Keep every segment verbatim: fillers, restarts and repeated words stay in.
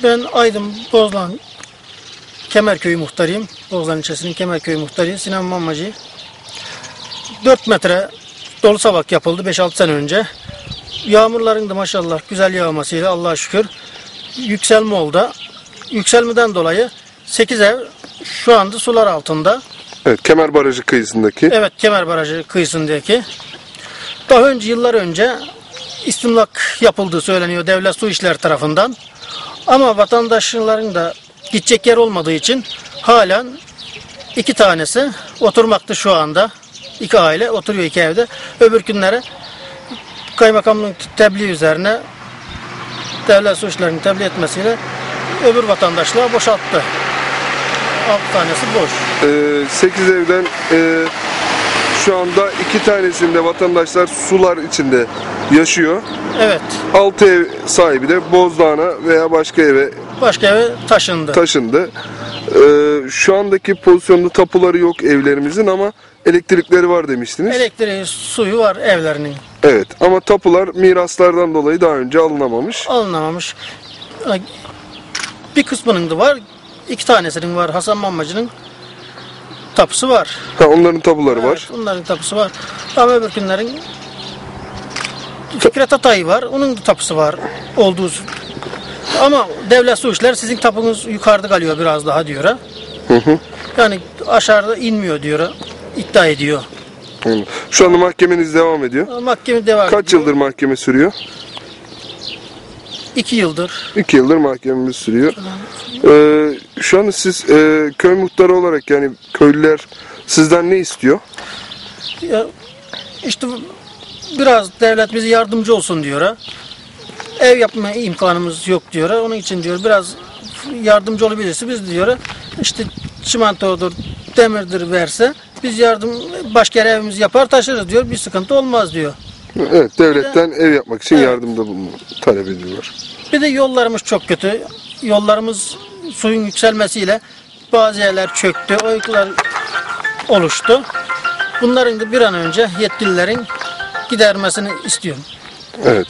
Ben Aydın Bozlan Kemerköy muhtarıyım. Bozlan ilçesinin Kemerköy muhtarıyım. Sinan Mammacı. dört metre dolu savak yapıldı beş altı sene önce. Yağmurların da maşallah güzel yağmasıyla Allah'a şükür yükselme oldu. Yükselmeden dolayı sekiz ev şu anda sular altında. Evet, Kemer Barajı kıyısındaki. Evet, Kemer Barajı kıyısındaki. Daha önce, yıllar önce istimlak yapıldığı söyleniyor devlet su işleri tarafından. Ama vatandaşların da gidecek yer olmadığı için halen iki tanesi oturmakta şu anda. İki aile oturuyor iki evde. Öbür günlere kaymakamlığın tebliğ üzerine devlet su işlerini tebliğ etmesiyle öbür vatandaşlığa boşalttı. Altı tanesi boş. Ee, sekiz evden e, şu anda iki tanesinde vatandaşlar sular içinde yaşıyor. Evet. Altı ev sahibi de Bozdağ'a veya başka eve Başka eve taşındı. taşındı. Ee, şu andaki pozisyonda tapuları yok evlerimizin ama elektrikleri var demiştiniz. Elektriği, suyu var evlerinin. Evet, ama tapular miraslardan dolayı daha önce alınamamış. Alınamamış. Bir kısmının da var. İki tanesinin var. Hasan Mammacı'nın tapusu var. Ha, onların tapuları Evet, var. onların tapusu var. Ama öbür günlerin Fikret Atay var. Onun da tapusu var. Olduğu. Ama devlet su işleri sizin tapunuz yukarıda kalıyor biraz daha diyor. Ha? Hı hı. Yani aşağıda inmiyor diyor. İddia ediyor. Hı. Şu anda mahkemeniz devam ediyor. Mahkeme devam Kaç ediyor. yıldır mahkeme sürüyor? İki yıldır. İki yıldır mahkememiz sürüyor. Ee, şu anda siz e, köy muhtarı olarak, yani köylüler sizden ne istiyor? Ya, işte biraz devlet bize yardımcı olsun diyor. Ha. Ev yapma imkanımız yok diyor. Ha. Onun için diyor biraz yardımcı olabilirse biz diyor. İşte çimentodur, demirdir verse biz yardım başka yere evimizi yapar taşırız diyor. Bir sıkıntı olmaz diyor. Evet, devletten de, ev yapmak için evet. yardımda bulunma talep ediyorlar. Bir de yollarımız çok kötü. Yollarımız suyun yükselmesiyle bazı yerler çöktü, oyuklar oluştu. Bunların da bir an önce yetkililerin gidermesini istiyorum. Evet.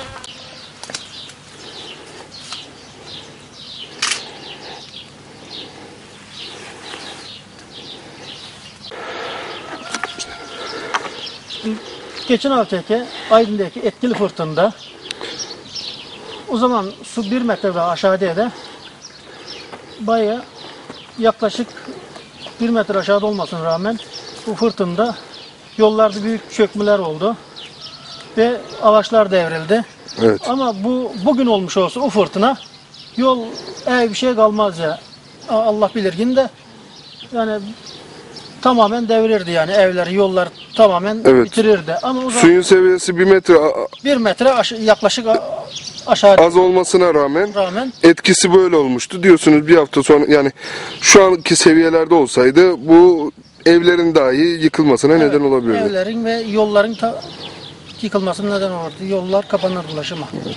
Geçen haftaki Aydın'daki etkili fırtınada o zaman su bir metre ve aşağıdaydı. Bayağı yaklaşık bir metre aşağıda olmasına rağmen bu fırtınada yollarda büyük çökmeler oldu ve ağaçlar devrildi. Evet. Ama bu bugün olmuş olsa o fırtına yol ev bir şey kalmaz ya. Allah bilir yine de yani tamamen devirirdi yani evleri, yollar tamamen Evet. bitirirdi. Ama o zaman Suyun seviyesi bir metre bir metre aş yaklaşık aşağı az olmasına rağmen, rağmen etkisi böyle olmuştu diyorsunuz. Bir hafta sonra, yani şu anki seviyelerde olsaydı bu evlerin dahi yıkılmasına evet, neden olabilirdi. evlerin ve yolların ta yıkılmasına neden olurdu. Yollar kapanır ulaşıma. Evet.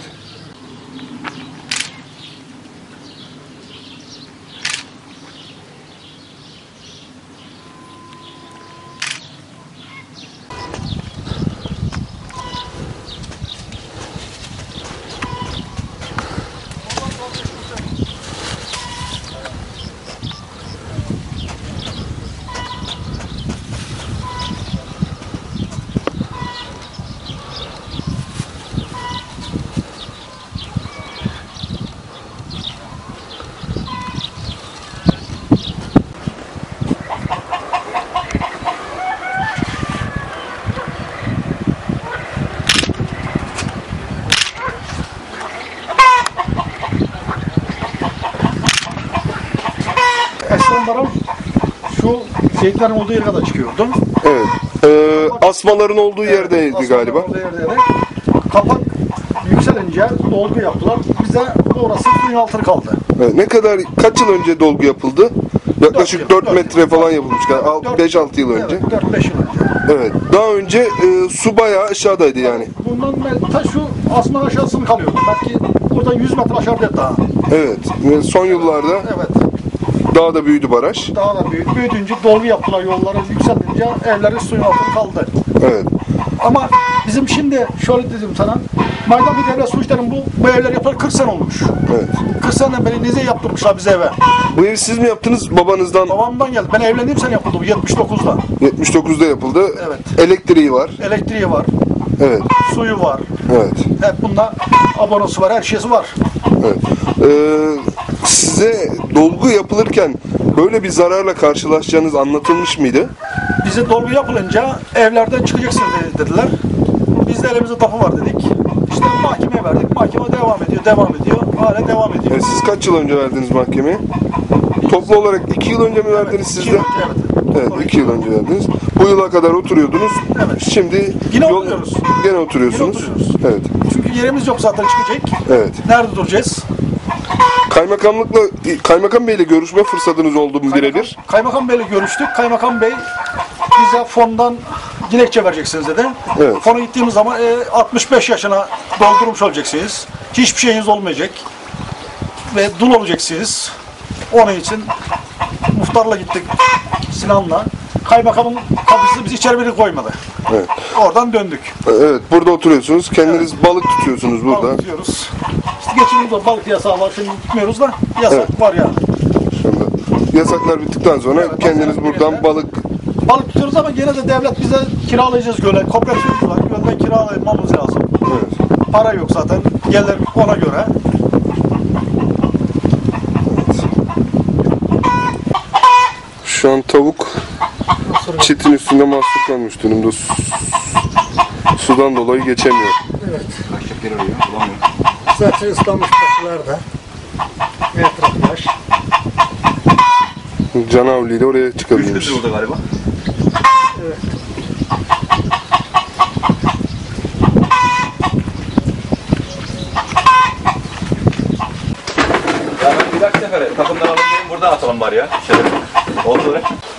Eskiden baraj şu zeytlerin olduğu yere kadar çıkıyordu. Evet. Ee, asmaların olduğu yerdeydi Aslanların galiba. olduğu yerdeydi. Kapak yükselince dolgu yaptılar. Bize orası suyun altına kaldı. Evet. Ne kadar, kaç yıl önce dolgu yapıldı? Yaklaşık Dört yıl, dört dört metre yıl. falan yapılmış. beş altı yıl önce. Evet, dört beş yıl önce. Evet. Daha önce e, su bayağı aşağıdaydı yani. Bundan ben ta şu asman aşağısını kalıyordu. Belki buradan yüz metre aşağıda daha. Evet. Ve son yıllarda Evet. daha da büyüdü baraj. Daha da büyüdü. Büyüdünce dolgu yaptılar, yolları yükselince evleri suyun altına kaldı. Evet. Ama bizim Bizim şimdi şöyle dedim sana, Maydan bir devlet su işlerinin bu, bu evler yapalı kırk sene olmuş. Evet. kırk seneden beri nize yaptırmışlar bize eve. Bu evi siz mi yaptınız babanızdan? Babamdan geldi. Ben evlendiğim sene yapıldı bu yetmiş dokuzda. yetmiş dokuzda yapıldı. Evet. Elektriği var. Elektriği var, Evet. suyu var. Evet. Hep bunda abonası var, her şeysi var. Evet. Ee, size dolgu yapılırken böyle bir zararla karşılaşacağınız anlatılmış mıydı? Bize dolgu yapılınca evlerden çıkacaksınız dediler. Biz de elimizde tapu var dedik. İşte mahkemeye verdik. Mahkeme devam ediyor, devam ediyor. Hala devam ediyor. Yani siz kaç yıl önce verdiniz mahkemeye? Toplu olarak iki yıl önce mi verdiniz siz İki de? yıl önce, evet. Evet, iki yıl önce verdiniz. Bu yıla kadar oturuyordunuz. Evet. Şimdi Yine oturuyoruz. Gene oturuyorsunuz. Yine oturuyoruz. Evet. Çünkü yerimiz yok zaten çıkacak. Evet. Nerede duracağız? Kaymakamlıkla Kaymakam Bey'le görüşme fırsatınız oldu mu birebir? Kaymakam Bey'le görüştük. Kaymakam Bey bize fondan dilekçe vereceksiniz dedi. Evet. Fona gittiğimiz zaman e, altmış beş yaşına doldurmuş olacaksınız. Hiçbir şeyiniz olmayacak. Ve dul olacaksınız. Onun için muhtarla gittik Sinan'la. Kaymakamın kapısı bizi içeri bile koymadı. Evet. Oradan döndük. Evet, burada oturuyorsunuz. Kendiniz balık tutuyorsunuz burada. Balık tutuyoruz. İşte geçimimizde balık yasağı var. Şimdi gitmiyoruz da yasak Evet. var yani. Şimdi yasaklar bittikten sonra Evet, kendiniz yasaklar buradan bittiğinde- balık Balık tutuyoruz ama gene de devlet bize kiralayacağız göle. Kooperatifimiz var. Gölden kiralamamız lazım. evet. Para yok zaten. Gelir ona göre. Şu an tavuk çitin üstünde mahsur kalmış durumda. Su- Sudan dolayı geçemiyor. Zaten ıslanmış taşlar da. Etraf yaş. Canavliyle oraya çıkabiliyoruz. Üçlü burada galiba. Ya ben bir dahaki sefere takımdan alalım dedim, burada atalım bari ya. Şöyle. Oldu öyle.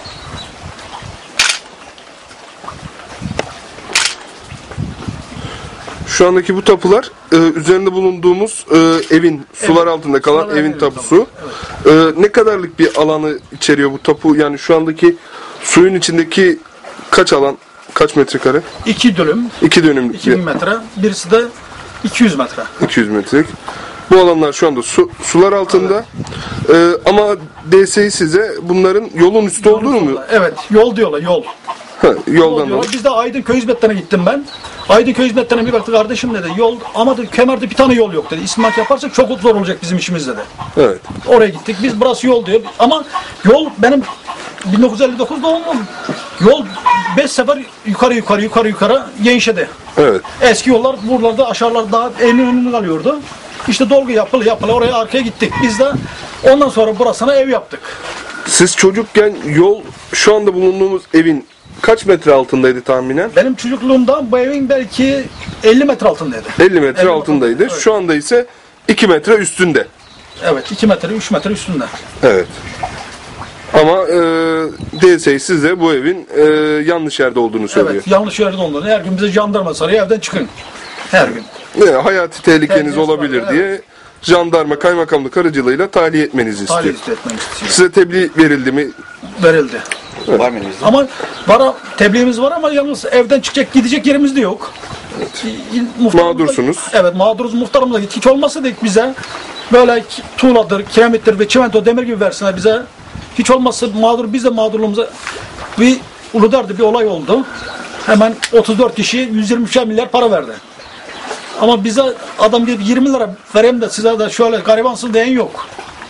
Şu andaki bu tapular e, üzerinde bulunduğumuz e, evin sular altında kalan Sular evin evin tapusu. E, ne kadarlık bir alanı içeriyor bu tapu? Yani şu andaki suyun içindeki kaç alan, kaç metrekare? İki dönüm, İki dönümlük iki bir bin metre. Birisi de iki yüz metre. iki yüz metrelik. Bu alanlar şu anda su, sular altında. E, ama D S İ size bunların yolun üstü olduğunu mu? Evet, yol diyorlar, yol. Ha, Yol yoldan diyorlar. da. Biz de Aydın Köy Hizmetleri'ne gittim ben. Aydın Köy Hizmetleri'ne bir baktı, kardeşim dedi, yol ama dedi, Kemer'de bir tane yol yok dedi. İstimlak yaparsak çok zor olacak bizim işimiz dedi. Evet. Oraya gittik. Biz burası yol diyor. Ama yol benim bin dokuz yüz elli dokuz doğumlum. Yol beş sefer yukarı yukarı yukarı yukarı genişledi. Evet. Eski yollar buralarda aşağılar daha evin önünde kalıyordu. İşte dolgu yapılı yapılı oraya arkaya gittik. Biz de ondan sonra burasına ev yaptık. Siz çocukken yol şu anda bulunduğumuz evin kaç metre altındaydı tahminen? Benim çocukluğumda bu evin belki elli metre altındaydı. elli metre elli altındaydı. evet. Şu anda ise iki metre üstünde. Evet, iki metre, üç metre üstünde. Evet. Ama e, D S İ size bu evin e, yanlış yerde olduğunu söylüyor. Evet, yanlış yerde olduğunu. Her gün bize jandarma sarıyor, evden çıkın. Her gün. Ne, hayati tehlikeniz Tehlikesi olabilir var, diye jandarma kaymakamlık aracılığıyla tahliye etmenizi Tahliye istiyor. etmemiz istiyor. Size tebliğ verildi mi? Verildi. Var mı elinizde? Ama var, tebliğimiz var ama yalnız evden çıkacak, gidecek yerimiz de yok. Muhtarımızla- Mağdursunuz. Evet, mağduruz. Muhtarımıza git. Hiç olmasa dedik bize böyle ki- tuğladır, kiremittir ve çimento, demir gibi versinler bize. Hiç olmazsa mağdur, biz de mağdurluğumuza bir Uludar'da bir olay oldu. Hemen otuz dört kişi yüz yirmi üç milyar para verdi. Ama bize adam gibi yirmi lira vereyim de size de şöyle garibansın diyen yok.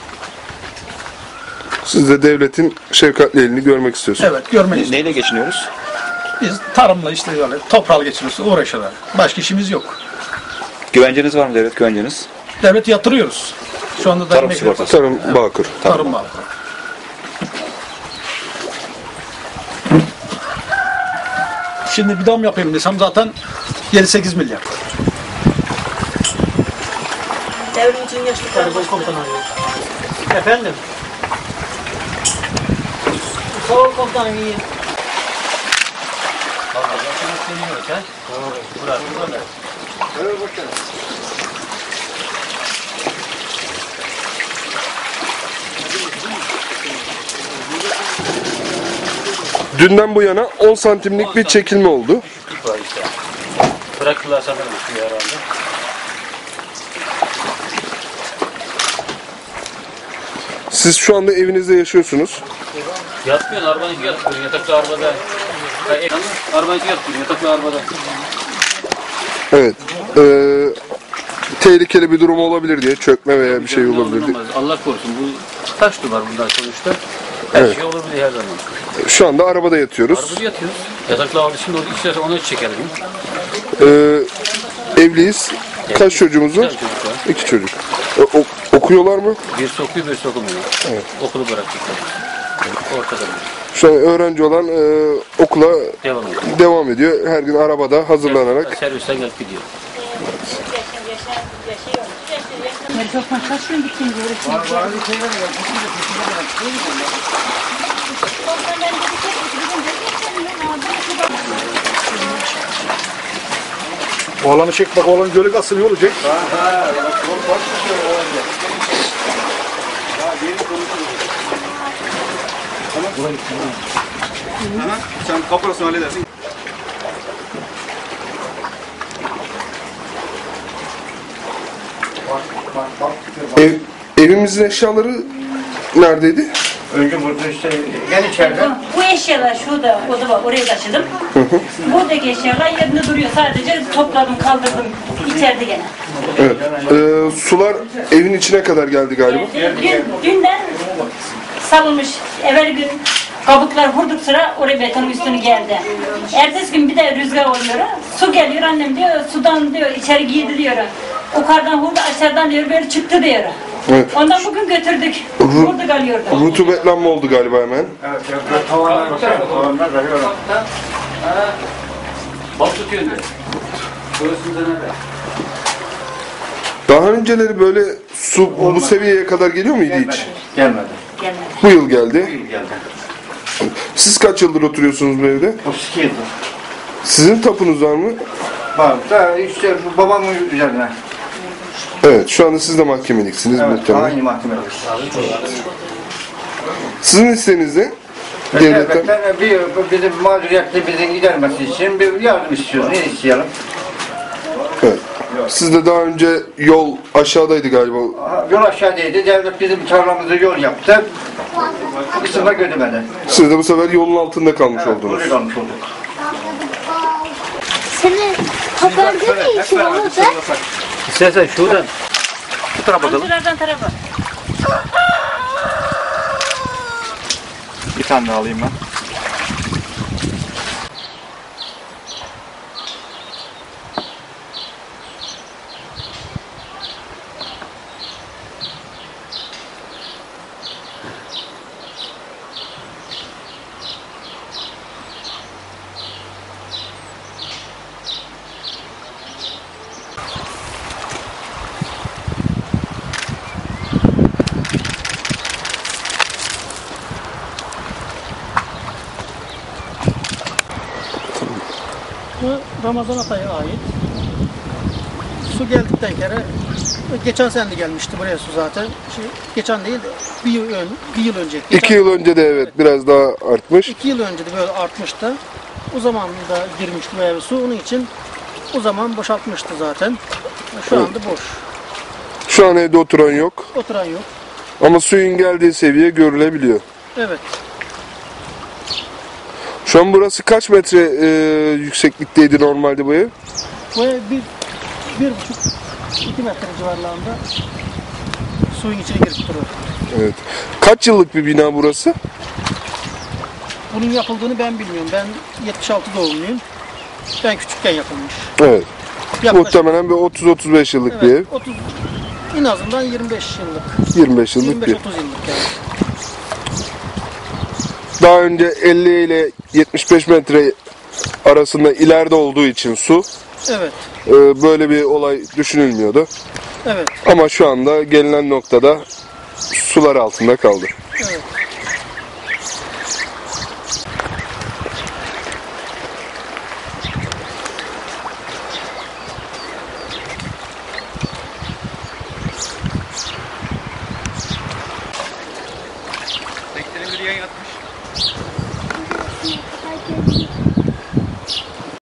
Siz de devletin şefkatli elini görmek istiyorsunuz. Evet, görmeyiz. Neyle geçiniyoruz? Biz tarımla işte böyle toprağa geçiriyoruz, uğraşıyorlar. Başka işimiz yok. Güvenceniz var mı, devlet güvenceniz? Devlet yatırıyoruz. Şu anda da Tarım emekli- sigortası. Tarım Bağkur. Tarım var. Şimdi bir dam yapayım desem zaten yedi sekiz milyar. Devrim için yaşlıklar Komutan arıyor. Efendim? Sağ ol komutanım, iyi. Dünden bu yana on santimlik bir çekilme oldu. Bırakırlar sanırım suyu herhalde. Siz şu anda evinizde yaşıyorsunuz. Yatmıyorsun, arabanın içi yatmıyor. Yataklı arabada. Ha, ev- Arabanın içi yatmıyor, yataklı arabada. Evet. Ee, tehlikeli bir durum olabilir diye, çökme veya bir şey Ne olur olabilir diye. olmaz. Allah korusun. Bu taş duvar bundan sonuçta. Her Evet. şey olur diye her zaman. Şu anda arabada yatıyoruz. Arabada yatıyoruz. Yataklı arabada şimdi orada istersen onu çekelim. Ee, evliyiz. Kaç çocuğumuz var? Güzel çocuk var. İki çocuk. O- o- okuyorlar mı? Birisi okuyor, birisi okumuyor. Okulu bıraktıklar. Ortada bir. Şu an öğrenci olan e, okula Devam ediyor. devam ediyor. Her gün arabada hazırlanarak. Servisten gelip gidiyor. Oğlanı çek bak, oğlan gölü kalsın, iyi olacak. Sen kaparasını halledersin. Ev, evimizin eşyaları neredeydi? Önce burada işte gel içeride. Bu eşyalar şurada, oda var, oraya taşıdım. Buradaki eşyalar yerinde duruyor. Sadece topladım, kaldırdım. İçeride gene. Evet. Ee, sular evin içine kadar geldi galiba. Dün, dünden salınmış. Evvel gün kabuklar vurduk sıra oraya betonun üstünü geldi. Ertesi gün bir de rüzgar oluyor. Su geliyor, annem diyor, sudan diyor, içeri girdi diyor. Yukarıdan vurdu, aşağıdan diyor, böyle çıktı diyor. Evet. Ondan bugün götürdük. Vurdu kalıyordu. Rutubetlenme oldu galiba hemen. Evet, evet, tavanlar tavanlar veriyorum. Bak tutuyor diyor. Burasında nerede? Daha önceleri böyle su bu seviyeye kadar geliyor muydu hiç? Gelmedi. Gelmedi. Bu yıl geldi. Geldi. Siz kaç yıldır oturuyorsunuz bu evde? otuz iki yıldır. Sizin tapunuz var mı? Bak da işte bu babamın üzerine. Evet, şu anda siz de mahkemeliksiniz Evet, muhtemelen. aynı mahkemedeyiz. Sizin isteğiniz ne? Devletten. Devletten bir bizim mağduriyetli bizi gidermesi için bir yardım istiyoruz. Ne isteyelim? Evet. Siz de daha önce yol aşağıdaydı galiba. Aha, Yol aşağıdaydı. Devlet bizim tarlamızı yol yaptı. Kısımda gödemedi. Siz de bu sefer yolun altında kalmış oldunuz. Buraya kalmış olduk. Senin toplarda ne işin oldu? İstersen şuradan. Bu tarafa bakalım. Amcalardan tarafa. Bir tane daha alayım ben. Bu Ramazan Atay'a ait. Su geldikten kere geçen sene de gelmişti buraya su zaten. Şey, geçen değil de bir yıl, ön, bir yıl önce. Geçen, İki yıl önce de evet biraz daha artmış. iki yıl önce de böyle artmıştı. O zaman da girmişti bu eve su. Onun için o zaman boşaltmıştı zaten. Şu anda boş. Şu an evde oturan yok. Oturan yok. Ama suyun geldiği seviye görülebiliyor. Evet. Şu an burası kaç metre e, yükseklikteydi normalde bu ev? Bu ev bir, bir buçuk, iki metre civarlarında suyun içine girip duruyor. Evet. Kaç yıllık bir bina burası? Bunun yapıldığını ben bilmiyorum. Ben yetmiş altı doğumluyum. Ben küçükken yapılmış. Evet. Yaklaşık, Muhtemelen bir otuz otuz beş yıllık bir ev. evet, otuz, en azından yirmi beş yıllık. yirmi beş yıllık yirmi bir beş otuz yıllık yani. Daha önce elli ile yetmiş beş metre arasında ileride olduğu için su Evet. e, böyle bir olay düşünülmüyordu. Evet. Ama şu anda gelinen noktada sular altında kaldı. Evet.